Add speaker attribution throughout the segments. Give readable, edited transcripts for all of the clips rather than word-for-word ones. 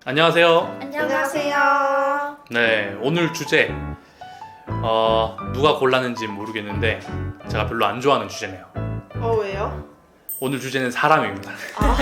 Speaker 1: 안녕하세요.
Speaker 2: 안녕하세요.
Speaker 1: 네, 오늘 주제 누가 골랐는지 모르겠는데 제가 별로 안 좋아하는 주제네요.
Speaker 2: 왜요?
Speaker 1: 오늘 주제는 사람입니다.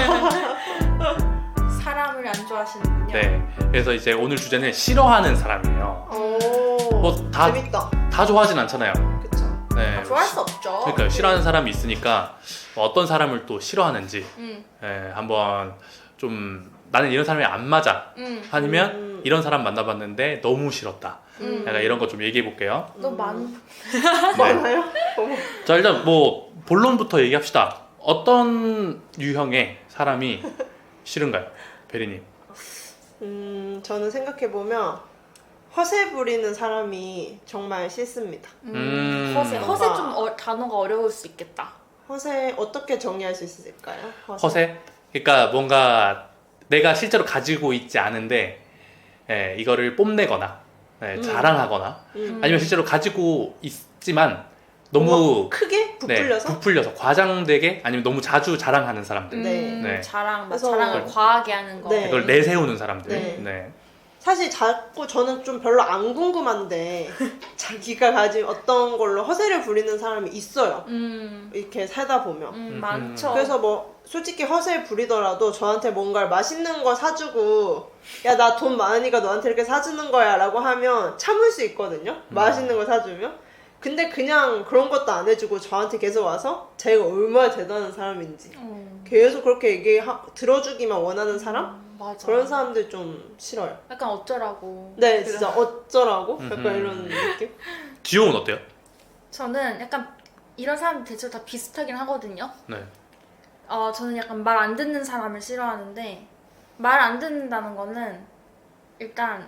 Speaker 3: 사람을 안 좋아하시는군요.
Speaker 1: 네, 그래서 이제 오늘 주제는 싫어하는 사람이에요.
Speaker 2: 오,
Speaker 1: 다-
Speaker 2: 재밌다.
Speaker 1: 다 좋아하진 않잖아요.
Speaker 2: 그쵸?
Speaker 1: 네,
Speaker 3: 좋아할 수 없죠.
Speaker 1: 그러니까 싫어하는 사람이 있으니까 어떤 사람을 또 싫어하는지 한번 좀 나는 이런 사람이 안 맞아 아니면 이런 사람 만나봤는데 너무 싫었다. 약간 이런 거 좀 얘기해 볼게요.
Speaker 3: 너 많.
Speaker 2: 많아요? 어머.
Speaker 1: 자, 일단 뭐 본론부터 얘기합시다. 어떤 유형의 사람이 싫은가요, 베리님?
Speaker 2: 저는 생각해보면 허세 부리는 사람이 정말 싫습니다.
Speaker 3: 허세 좀 단어가 어려울 수 있겠다.
Speaker 2: 허세 어떻게 정리할 수 있을까요?
Speaker 1: 허세? 그러니까 뭔가 내가 실제로 가지고 있지 않은데 이거를 뽐내거나 자랑하거나 아니면 실제로 가지고 있지만 너무
Speaker 2: 크게 부풀려서?
Speaker 1: 부풀려서 과장되게 아니면 너무 자주 자랑하는 사람들.
Speaker 2: 네.
Speaker 3: 자랑을
Speaker 2: 그래서-
Speaker 3: 과하게 하는 거.
Speaker 2: 네.
Speaker 1: 이걸 내세우는 사람들.
Speaker 2: 네.
Speaker 1: 네.
Speaker 2: 사실 자꾸 저는 좀 별로 안 궁금한데 자기가 가진 어떤 걸로 허세를 부리는 사람이 있어요. 이렇게 살다 보면.
Speaker 3: 많죠.
Speaker 2: 그래서 뭐 솔직히 허세 부리더라도 저한테 뭔가를 맛있는 거 사주고 야 나 돈 많으니까 너한테 이렇게 사주는 거야 라고 하면 참을 수 있거든요. 맛있는 거 사주면. 근데 그냥 그런 것도 안 해주고 저한테 계속 와서 자기가 얼마나 대단한 사람인지 계속 그렇게 들어주기만 원하는 사람?
Speaker 3: 맞아.
Speaker 2: 그런 사람들 좀 싫어요.
Speaker 3: 약간 어쩌라고.
Speaker 2: 네, 진짜 어쩌라고? 약간 이런 느낌?
Speaker 1: 지용은 어때요?
Speaker 3: 저는 약간 이런 사람 대체로 다 비슷하긴 하거든요.
Speaker 1: 네.
Speaker 3: 저는 약간 말 안 듣는 사람을 싫어하는데 말 안 듣는다는 거는 일단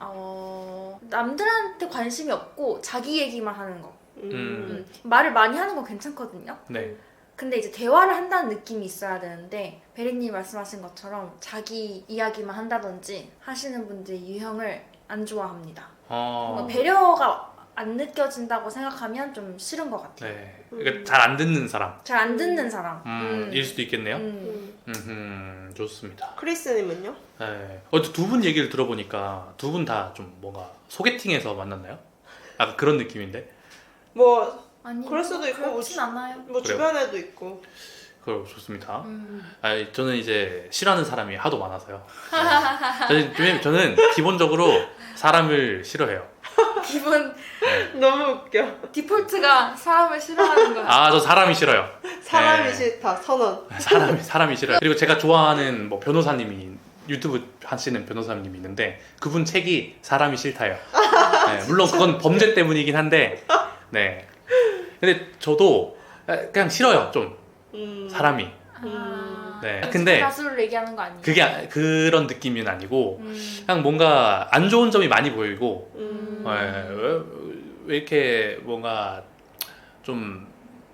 Speaker 3: 남들한테 관심이 없고 자기 얘기만 하는 거. 말을 많이 하는 건 괜찮거든요.
Speaker 1: 네.
Speaker 3: 근데 이제 대화를 한다는 느낌이 있어야 되는데 베리님 말씀하신 것처럼 자기 이야기만 한다든지 하시는 분들의 유형을 안 좋아합니다. 뭔가 배려가 안 느껴진다고 생각하면 좀 싫은 것 같아요.
Speaker 1: 네. 그러니까 잘 안 듣는 사람.
Speaker 3: 잘 안 듣는 사람.
Speaker 1: 일 수도 있겠네요. 좋습니다.
Speaker 2: 크리스님은요?
Speaker 1: 네. 두 분 얘기를 들어보니까 두 분 다 좀 뭔가 소개팅에서 만났나요? 약간 그런 느낌인데.
Speaker 2: 뭐
Speaker 3: 아니,
Speaker 2: 그럴 수도 있고
Speaker 3: 그렇진 않아요.
Speaker 2: 뭐 주변에도 있고.
Speaker 1: 그럼 좋습니다. 저는 이제 싫어하는 사람이 하도 많아서요. 저는 기본적으로 사람을 싫어해요.
Speaker 3: 기본
Speaker 2: 너무 웃겨.
Speaker 3: 디폴트가 사람을 싫어하는 거야.
Speaker 1: 저 사람이 싫어요.
Speaker 2: 사람이
Speaker 1: 네.
Speaker 2: 싫다. 선언.
Speaker 1: 사람이 싫어요. 그리고 제가 좋아하는 뭐 변호사님이 유튜브 하시는 변호사님이 있는데 그분 책이 사람이 싫다요. 네, 물론 그건 범죄 때문이긴 한데, 네. 근데 저도 그냥 싫어요, 좀 사람이. 네. 근데
Speaker 3: 가수를 얘기하는 거 아니에요?
Speaker 1: 그게 그런 느낌은 아니고 그냥 뭔가 안 좋은 점이 많이 보이고 왜 이렇게 뭔가 좀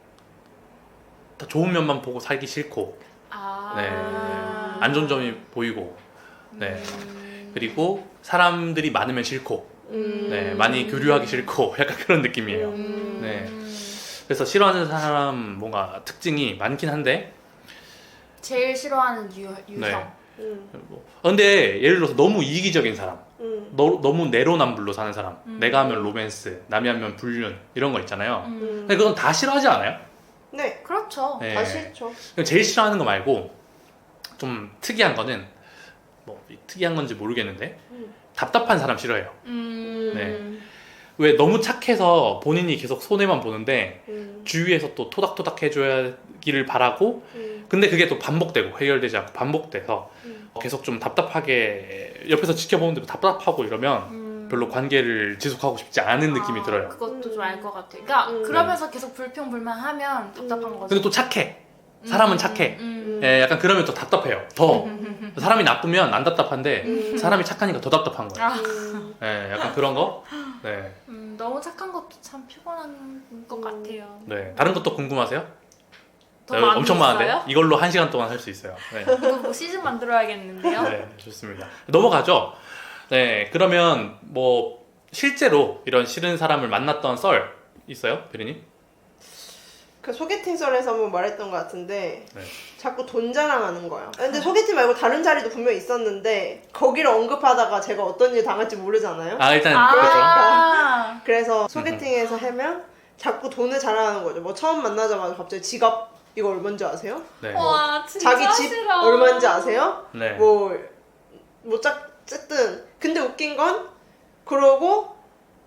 Speaker 1: 다 좋은 면만 보고 살기 싫고 네. 안 좋은 점이 보이고 네. 그리고 사람들이 많으면 싫고 네. 많이 교류하기 싫고 약간 그런 느낌이에요. 네. 그래서 싫어하는 사람 뭔가 특징이 많긴 한데
Speaker 3: 제일 싫어하는 유형.
Speaker 1: 네. 근데 예를 들어서 너무 이기적인 사람 너무 내로남불로 사는 사람 내가 하면 로맨스 남이 하면 불륜 이런 거 있잖아요. 근데 그건 다 싫어하지 않아요?
Speaker 2: 네.
Speaker 3: 그렇죠.
Speaker 1: 네.
Speaker 2: 다 싫죠.
Speaker 1: 제일 싫어하는 거 말고 좀 특이한 거는 뭐 특이한 건지 모르겠는데 답답한 사람 싫어해요. 네. 왜 너무 착해서 본인이 계속 손해만 보는데 주위에서 또 토닥토닥 해줘야기를 바라고 근데 그게 또 반복되고 해결되지 않고 반복돼서 계속 좀 답답하게 옆에서 지켜보는데도 답답하고 이러면 별로 관계를 지속하고 싶지 않은 느낌이 들어요.
Speaker 3: 그것도 좀 알 것 같아요. 그러니까 그러면서 계속 불평불만하면 답답한 거죠.
Speaker 1: 근데 또 착해. 사람은 착해. 예, 약간 그러면 더 답답해요. 더. 사람이 나쁘면 안 답답한데 사람이 착하니까 더 답답한 거예요. 예, 약간 그런 거. 네.
Speaker 3: 너무 착한 것도 참 피곤한 것 같아요.
Speaker 1: 네. 다른 것도 궁금하세요?
Speaker 3: 더 많이
Speaker 1: 엄청
Speaker 3: 있어요?
Speaker 1: 많은데 이걸로 1시간 동안 할 수 있어요. 네.
Speaker 3: 이거 뭐 시즌 만들어야겠는데요?
Speaker 1: 네, 좋습니다. 넘어가죠. 네, 그러면 뭐 실제로 이런 싫은 사람을 만났던 썰 있어요, 베리님?
Speaker 2: 그 소개팅설에서 한번 말했던 것 같은데
Speaker 1: 네.
Speaker 2: 자꾸 돈 자랑하는 거예요. 근데 소개팅 말고 다른 자리도 분명히 있었는데 거기를 언급하다가 제가 어떤 일 당할지 모르잖아요.
Speaker 1: 아 일단
Speaker 3: 아,
Speaker 2: 그래서 소개팅에서 하면 자꾸 돈을 자랑하는 거죠. 뭐 처음 만나자마자 갑자기 지갑 이거 얼마인지 아세요?
Speaker 1: 네.
Speaker 3: 와 진짜
Speaker 2: 자기 집
Speaker 3: 싫어.
Speaker 2: 얼마인지 아세요?
Speaker 1: 네.
Speaker 2: 뭐 어쨌든 근데 웃긴 건 그러고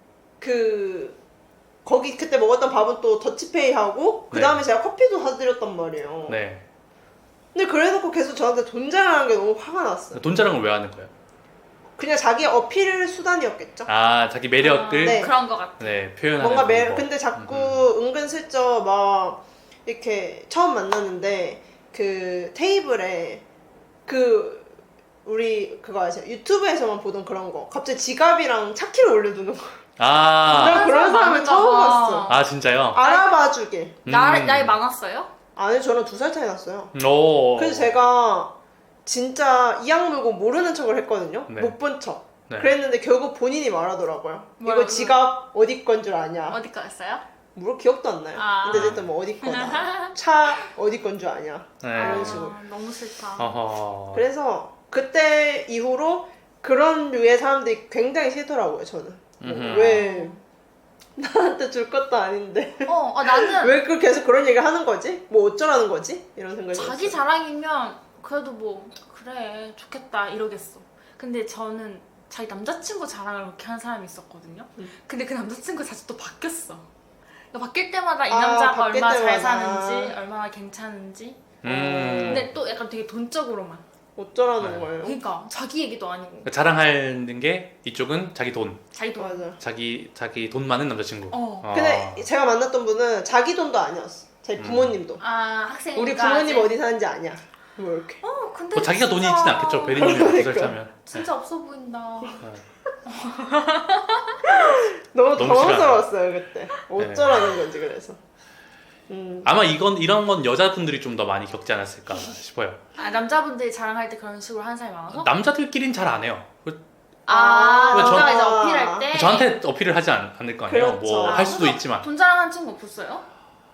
Speaker 2: 거기 그때 먹었던 밥은 또 더치페이 하고 그 다음에
Speaker 1: 네.
Speaker 2: 제가 커피도 사드렸단 말이에요.
Speaker 1: 네.
Speaker 2: 근데 그래놓고 계속 저한테 돈 자랑하는 게 너무 화가 났어요.
Speaker 1: 돈 자랑을 왜 하는 거예요?
Speaker 2: 그냥 자기 어필 수단이었겠죠.
Speaker 1: 아 자기 매력을
Speaker 2: 네.
Speaker 3: 그런 것 같아.
Speaker 1: 네, 표현하는
Speaker 2: 뭔가
Speaker 1: 방법.
Speaker 2: 근데 자꾸 은근슬쩍 막 이렇게 처음 만났는데 그 테이블에 우리 그거 아세요? 유튜브에서만 보던 그런 거 갑자기 지갑이랑 차키를 올려두는 거.
Speaker 1: 아,
Speaker 2: 난 그런 사람을 처음 봤어.
Speaker 1: 아 진짜요?
Speaker 2: 알아봐주길.
Speaker 3: 나이 많았어요?
Speaker 2: 아니 저랑 2살 차이 났어요.
Speaker 1: 오.
Speaker 2: 그래서 제가 진짜 이악 물고 모르는 척을 했거든요.
Speaker 1: 네.
Speaker 2: 못 본 척.
Speaker 1: 네.
Speaker 2: 그랬는데 결국 본인이 말하더라고요.
Speaker 3: 뭐라고요?
Speaker 2: 이거 지갑 어디 건 줄 아냐.
Speaker 3: 어디 거였어요?
Speaker 2: 물어 기억도 안 나요.
Speaker 3: 아.
Speaker 2: 근데 어쨌든 뭐 어디 거다. 차 어디 건 줄 아냐.
Speaker 1: 네.
Speaker 2: 이런 식으로.
Speaker 3: 너무 싫다.
Speaker 1: 어허.
Speaker 2: 그래서 그때 이후로 그런 류의 사람들이 굉장히 싫더라고요. 저는.
Speaker 1: 음흠.
Speaker 2: 왜 나한테 줄 것도 아닌데
Speaker 3: 나는
Speaker 2: 왜 계속 그런 얘기를 하는 거지? 뭐 어쩌라는 거지? 이런 생각이
Speaker 3: 자기
Speaker 2: 들었어요.
Speaker 3: 자랑이면 그래도 뭐 그래 좋겠다 이러겠어. 근데 저는 자기 남자친구 자랑을 그렇게 하는 사람이 있었거든요. 근데 그 남자친구 자주 또 바뀌었어. 그러니까 바뀔 때마다 이 남자가
Speaker 2: 바뀔
Speaker 3: 얼마나 잘
Speaker 2: 때마다.
Speaker 3: 사는지 얼마나 괜찮은지.
Speaker 1: 음.
Speaker 3: 근데 또 약간 되게 돈적으로만.
Speaker 2: 어쩌라는
Speaker 1: 네.
Speaker 2: 거예요?
Speaker 3: 그러니까 자기 얘기도 아니고
Speaker 1: 자랑하는 게 이쪽은 자기 돈,
Speaker 3: 자기 돈.
Speaker 2: 맞아.
Speaker 1: 자기 돈 많은 남자친구.
Speaker 2: 근데 제가 만났던 분은 자기 돈도 아니었어. 제 부모님 돈.
Speaker 3: 학생이니까
Speaker 2: 우리 부모님
Speaker 3: 아직.
Speaker 2: 어디 사는지 아냐. 뭐 이렇게.
Speaker 3: 근데
Speaker 1: 뭐 자기가 돈이
Speaker 3: 진짜-
Speaker 1: 있진 않겠죠. 베리님이
Speaker 2: 그러니까.
Speaker 1: 2살 차면.
Speaker 3: 진짜 없어 보인다.
Speaker 2: 너무
Speaker 1: 너무
Speaker 2: 당황스러웠어요 그때. 어쩌라는 건지 그래서.
Speaker 1: 아마 이런 건 여자분들이 좀 더 많이 겪지 않았을까 싶어요.
Speaker 3: 남자분들이 자랑할 때 그런 식으로 하는 사람이 많아서?
Speaker 1: 남자들끼린 잘 안 해요.
Speaker 3: 남자가 이제
Speaker 2: 전-
Speaker 3: 어필할 때
Speaker 1: 저한테 어필을 하지 않을 거 아니에요.
Speaker 2: 그렇죠.
Speaker 1: 뭐 할 수도 있지만.
Speaker 3: 돈 자랑하는 친구 없었어요?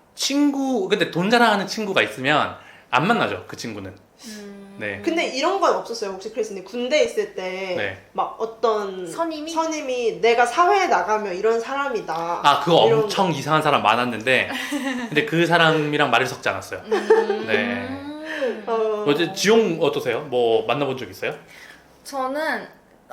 Speaker 1: 근데 돈 자랑하는 친구가 있으면 안 만나죠. 그 친구는. 네.
Speaker 2: 근데 이런 건 없었어요. 혹시 크리스님 군대 있을 때 막
Speaker 1: 네.
Speaker 2: 어떤
Speaker 3: 선임이
Speaker 2: 내가 사회에 나가면 이런 사람이다.
Speaker 1: 아 그거
Speaker 2: 이런
Speaker 1: 엄청 이상한 사람 많았는데 근데 그 사람이랑 말을 섞지 않았어요. 네. 어제 지용 어떠세요? 뭐 만나본 적 있어요?
Speaker 3: 저는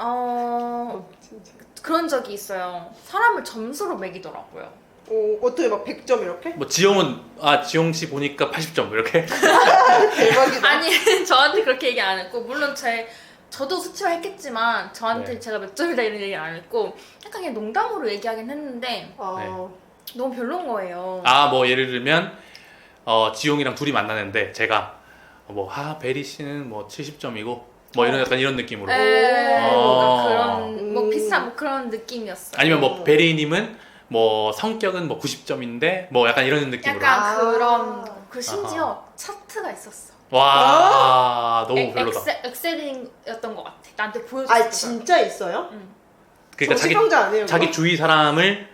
Speaker 2: 진짜.
Speaker 3: 그런 적이 있어요. 사람을 점수로 매기더라고요.
Speaker 2: 어떻게 막 100점 이렇게?
Speaker 1: 뭐 지용은 지용 씨 보니까 80점 이렇게.
Speaker 2: 대박이다.
Speaker 3: 아니 저한테 그렇게 얘기 안 했고 물론 저도 수치화 했겠지만 저한테
Speaker 1: 네.
Speaker 3: 제가 몇 점이다 이런 얘기 안 했고 약간 그냥 농담으로 얘기하긴 했는데 너무 별론 거예요.
Speaker 1: 아 뭐 예를 들면 지용이랑 둘이 만나는데 제가 베리 씨는 뭐 70점이고 뭐 이런 약간 이런 느낌으로.
Speaker 3: 뭔가 그런 뭐 비슷한 뭐 그런 느낌이었어요.
Speaker 1: 아니면 뭐 베리님은 뭐 성격은 뭐 90점인데 뭐 약간 이런 느낌으로.
Speaker 3: 약간 그런 심지어 차트가 있었어.
Speaker 1: 와 너무 별로다.
Speaker 3: 엑셀이었던 것 같아. 나한테 보여줬어.
Speaker 2: 진짜 있어요?
Speaker 1: 그러니까
Speaker 2: 정치병자 아니에요?
Speaker 1: 자기
Speaker 2: 그거?
Speaker 1: 주위 사람을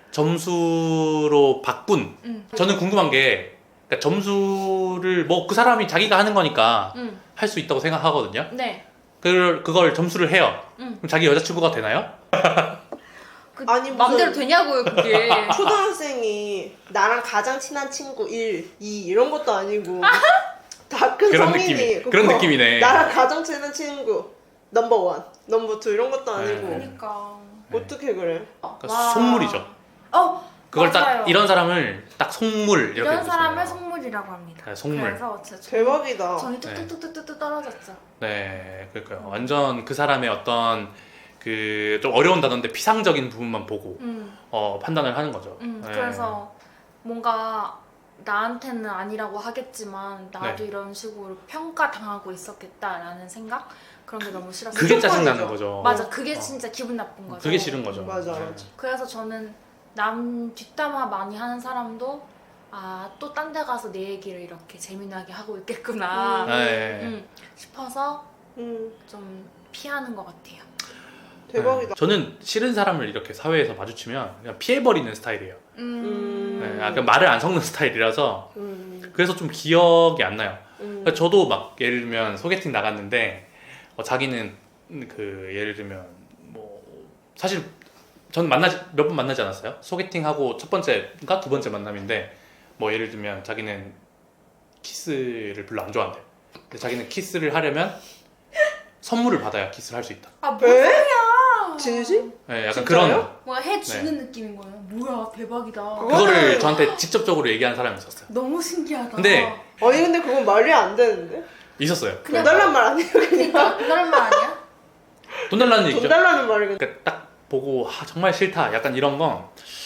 Speaker 1: 점수로 바꾼. 저는 궁금한 게 그러니까 점수를 뭐 그 사람이 자기가 하는 거니까 할 수 있다고 생각하거든요.
Speaker 3: 네.
Speaker 1: 그걸 점수를 해요.
Speaker 3: 응.
Speaker 1: 그럼 자기 여자친구가 되나요?
Speaker 2: 아니, 무슨-
Speaker 3: 마음대로 되냐고요 그게.
Speaker 2: 초등학생이 나랑 가장 친한 친구 1, 2 이런 것도 아니고 다 큰
Speaker 1: 그런
Speaker 2: 성인이
Speaker 1: 느낌이- 그런 느낌이네.
Speaker 2: 나랑 가장 친한 친구 넘버 1, 넘버 2 이런 것도 아니고
Speaker 3: 그러니까.
Speaker 2: 어떻게 그래?
Speaker 1: 그러니까 속물이죠. 그걸
Speaker 3: 맞아요.
Speaker 1: 딱 이런 사람을 딱 속물 이렇게
Speaker 3: 이런 사람을
Speaker 1: 부르잖아요.
Speaker 3: 속물이라고 합니다.
Speaker 1: 네, 속물.
Speaker 3: 그래서 진짜
Speaker 2: 대박이다.
Speaker 3: 정이 뚝뚝뚝뚝뚝 떨어졌죠.
Speaker 1: 네, 그러니까요. 완전 그 사람의 어떤 그 좀 어려운 단어인데 피상적인 부분만 보고 판단을 하는 거죠. 네.
Speaker 3: 그래서 뭔가 나한테는 아니라고 하겠지만 나도
Speaker 1: 네.
Speaker 3: 이런 식으로 평가당하고 있었겠다라는 생각? 그런 게 너무 싫었어요.
Speaker 1: 그게 짜증나는
Speaker 2: 무조건이죠.
Speaker 1: 거죠.
Speaker 3: 맞아, 그게 진짜 기분 나쁜 거죠.
Speaker 1: 그게 싫은 거죠.
Speaker 2: 맞아,
Speaker 1: 네.
Speaker 2: 맞아.
Speaker 3: 그래서 저는 남 뒷담화 많이 하는 사람도 또 딴 데 가서 내 얘기를 이렇게 재미나게 하고 있겠구나
Speaker 1: 네.
Speaker 3: 싶어서
Speaker 2: 음.
Speaker 3: 좀 피하는 것 같아요.
Speaker 2: 대박이다.
Speaker 1: 저는 싫은 사람을 이렇게 사회에서 마주치면 그냥 피해버리는 스타일이에요. 약간 말을 안 섞는 스타일이라서 그래서 좀 기억이 안 나요. 그러니까 저도 막 예를 들면 소개팅 나갔는데 자기는 그 예를 들면 뭐 사실 전 몇 번 만나지 않았어요. 소개팅하고 첫 번째인가 두 번째 만남인데 뭐 예를 들면 자기는 키스를 별로 안 좋아한대. 근데 자기는 키스를 하려면 선물을 받아야 키스를 할 수 있다.
Speaker 3: 아, 뭔 소리야?
Speaker 2: 진심?
Speaker 1: 네, 약간
Speaker 2: 진짜요?
Speaker 1: 그런
Speaker 3: 뭔가 해주는 느낌인 거예요. 뭐야, 대박이다.
Speaker 1: 그거를 저한테 직접적으로 얘기한 사람이 있었어요.
Speaker 3: 너무 신기하다.
Speaker 1: 근데
Speaker 2: 아니 근데 그건 말이 안 되는데?
Speaker 1: 있었어요.
Speaker 3: 그냥
Speaker 2: 돈 달란 말 아니에요 그냥?
Speaker 3: 그런 말 아니야?
Speaker 1: 돈 달라는
Speaker 2: 돈
Speaker 1: 얘기죠.
Speaker 2: 달라는 말이
Speaker 1: 그러니까 딱 보고 정말 싫다. 약간 이런 건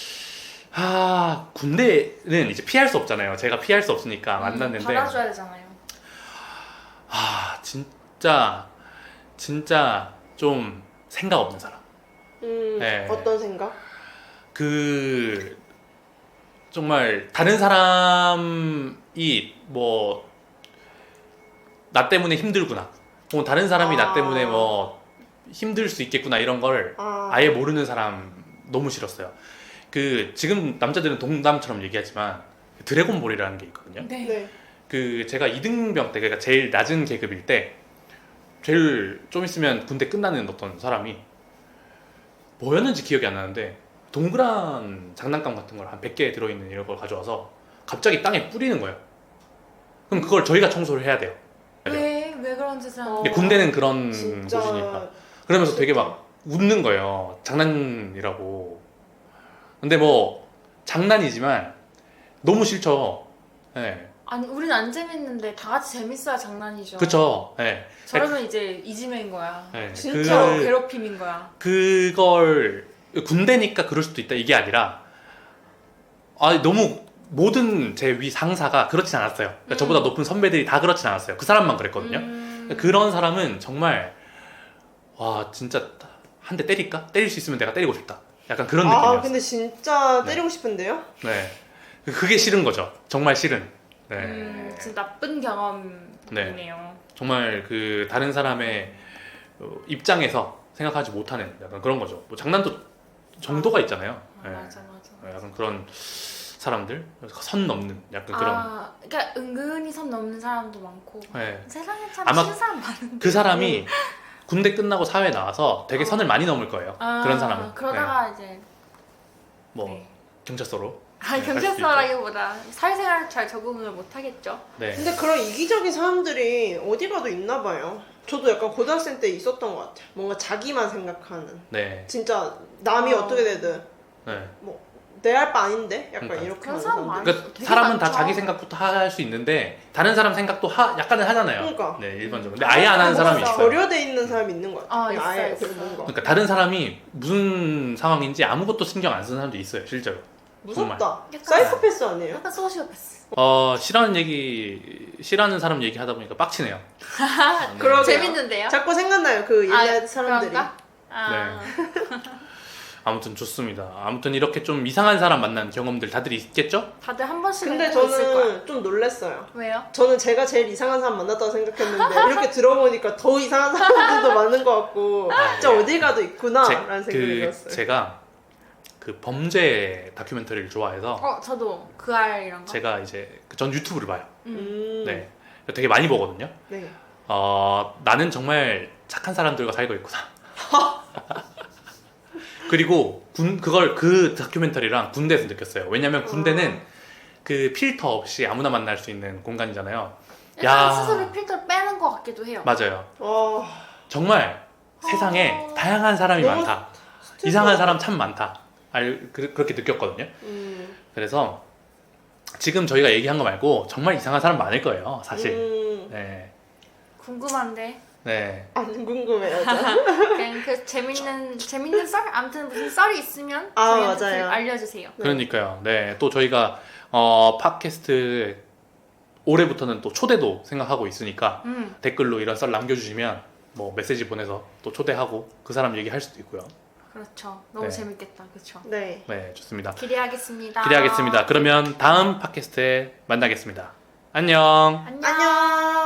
Speaker 1: 군대는 이제 피할 수 없잖아요. 제가 피할 수 없으니까 만났는데
Speaker 3: 받아줘야 되잖아요.
Speaker 1: 진짜 좀 생각 없는 사람. 네.
Speaker 2: 어떤 생각?
Speaker 1: 그 정말 다른 사람이 뭐 나 때문에 힘들구나. 혹은 다른 사람이 나 때문에 뭐 힘들 수 있겠구나 이런 걸 아예 모르는 사람 너무 싫었어요. 그 지금 남자들은 동남처럼 얘기하지만 드래곤볼이라는 게 있거든요.
Speaker 2: 네.
Speaker 1: 그 제가 2등병 때 그러니까 제일 낮은 계급일 때 제일 좀 있으면 군대 끝나는 어떤 사람이 뭐였는지 기억이 안 나는데 동그란 장난감 같은 걸 한 100개 들어있는 이런 걸 가져와서 갑자기 땅에 뿌리는 거예요. 그럼 그걸 저희가 청소를 해야 돼요.
Speaker 3: 왜 그런 짓을 하는
Speaker 1: 근데
Speaker 3: 거야?
Speaker 1: 군대는 그런
Speaker 2: 진짜
Speaker 1: 곳이니까. 그러면서 되게 막 웃는 거예요. 장난이라고. 근데 뭐 장난이지만 너무 싫죠. 네.
Speaker 3: 아니, 우린 안 재밌는데 다 같이 재밌어야 장난이죠.
Speaker 1: 그쵸. 네.
Speaker 3: 저러면 이제 이지매인 거야.
Speaker 1: 네.
Speaker 3: 진짜 괴롭힘인 거야.
Speaker 1: 그걸 군대니까 그럴 수도 있다 이게 아니라 너무 모든 제 위 상사가 그렇진 않았어요. 그러니까 저보다 높은 선배들이 다 그렇진 않았어요. 그 사람만 그랬거든요. 그런 사람은 정말 와 진짜 한 대 때릴까? 때릴 수 있으면 내가 때리고 싶다. 약간 그런 느낌이었어요.
Speaker 2: 근데 진짜 때리고 싶은데요?
Speaker 1: 네. 그게 싫은 거죠. 정말 싫은. 네.
Speaker 3: 진짜 나쁜 경험이네요.
Speaker 1: 정말 그 다른 사람의 입장에서 생각하지 못하는 약간 그런 거죠. 뭐 장난도 정도가 있잖아요. 네.
Speaker 3: 맞아.
Speaker 1: 약간 그런 사람들 선 넘는 약간 그런.
Speaker 3: 그러니까 은근히 선 넘는 사람도 많고.
Speaker 1: 네.
Speaker 3: 세상에 참
Speaker 1: 아마
Speaker 3: 싫은 사람 많은데.
Speaker 1: 그 사람이 군대 끝나고 사회 나와서 되게 선을 많이 넘을 거예요. 그런 사람은.
Speaker 3: 그러다가 이제
Speaker 1: 네. 뭐
Speaker 3: 네.
Speaker 1: 경찰서로.
Speaker 3: 경찰서라기보다 사회생활 잘 적응을 못 하겠죠.
Speaker 1: 네.
Speaker 2: 근데 그런 이기적인 사람들이 어디 가도 있나 봐요. 저도 약간 고등학생 때 있었던 것 같아요. 뭔가 자기만 생각하는.
Speaker 1: 네.
Speaker 2: 진짜 남이 어떻게 되든
Speaker 1: 네.
Speaker 2: 뭐 내 할 바 아닌데? 약간
Speaker 1: 그러니까.
Speaker 2: 이렇게
Speaker 3: 그런
Speaker 2: 하는
Speaker 3: 사람
Speaker 2: 사람들.
Speaker 1: 그러니까
Speaker 3: 되게
Speaker 1: 사람은 다
Speaker 3: 많죠.
Speaker 1: 자기 생각부터 할 수 있는데 다른 사람 생각도 약간은 하잖아요.
Speaker 2: 그러니까.
Speaker 1: 네, 일반적으로. 근데 아예 안 하는 사람이 있어요.
Speaker 2: 결여돼 있는 사람이 있는 것 같아요.
Speaker 3: 있어요,
Speaker 2: 아예
Speaker 3: 있어요.
Speaker 2: 뭔가.
Speaker 1: 그러니까 다른 사람이 무슨 상황인지 아무것도 신경 안 쓰는 사람도 있어요, 실제로.
Speaker 2: 무섭다.
Speaker 3: 약간-
Speaker 2: 사이코패스 아니에요?
Speaker 3: 약간 소시오패스.
Speaker 1: 싫어하는 사람 얘기하다 보니까 빡치네요.
Speaker 2: 그러게요.
Speaker 3: 재밌는데요?
Speaker 2: 자꾸 생각나요. 그 옛날 사람들이.
Speaker 3: 그런가?
Speaker 1: 아무튼 좋습니다. 아무튼 이렇게 좀 이상한 사람 만난 경험들 다들 있겠죠?
Speaker 3: 다들 한 번씩은
Speaker 2: 근데
Speaker 3: 꼭 있을 거야.
Speaker 2: 저는 좀 놀랬어요.
Speaker 3: 왜요?
Speaker 2: 저는 제가 제일 이상한 사람 만났다고 생각했는데 이렇게 들어보니까 더 이상한 사람들도 많은 것 같고 진짜 어디 가도 있구나 라는 생각이 들었어요.
Speaker 1: 제가 그 범죄 다큐멘터리를 좋아해서
Speaker 3: 저도 그 알이란가?
Speaker 1: 제가 이제 전 유튜브를 봐요.
Speaker 2: 네.
Speaker 1: 네, 되게 많이 보거든요.
Speaker 2: 네.
Speaker 1: 나는 정말 착한 사람들과 살고 있구나. 그리고 그 다큐멘터리랑 군대에서 느꼈어요. 왜냐면 군대는 그 필터 없이 아무나 만날 수 있는 공간이잖아요.
Speaker 3: 약간 스스로 필터를 빼는 것 같기도 해요.
Speaker 1: 맞아요.
Speaker 2: 와,
Speaker 1: 정말 세상에 다양한 사람이
Speaker 2: 너무
Speaker 1: 많다. 이상한 사람 참 많다. 그렇게 느꼈거든요. 그래서 지금 저희가 얘기한 거 말고 정말 이상한 사람 많을 거예요, 사실. 네.
Speaker 3: 궁금한데.
Speaker 1: 네.
Speaker 2: 안 궁금해요. 저.
Speaker 3: 그냥 그 재밌는 썰? 아무튼 무슨 썰이 있으면 저희한테
Speaker 2: 맞아요.
Speaker 3: 알려주세요.
Speaker 1: 그러니까요. 네. 또 저희가 팟캐스트 올해부터는 또 초대도 생각하고 있으니까 댓글로 이런 썰 남겨주시면 뭐 메시지 보내서 또 초대하고 그 사람 얘기할 수도 있고요.
Speaker 3: 그렇죠. 너무
Speaker 1: 네.
Speaker 3: 재밌겠다. 그렇죠.
Speaker 2: 네.
Speaker 1: 네, 좋습니다.
Speaker 3: 기대하겠습니다.
Speaker 1: 기대하겠습니다. 그러면 다음 팟캐스트에 만나겠습니다. 안녕.
Speaker 3: 안녕.
Speaker 2: 안녕.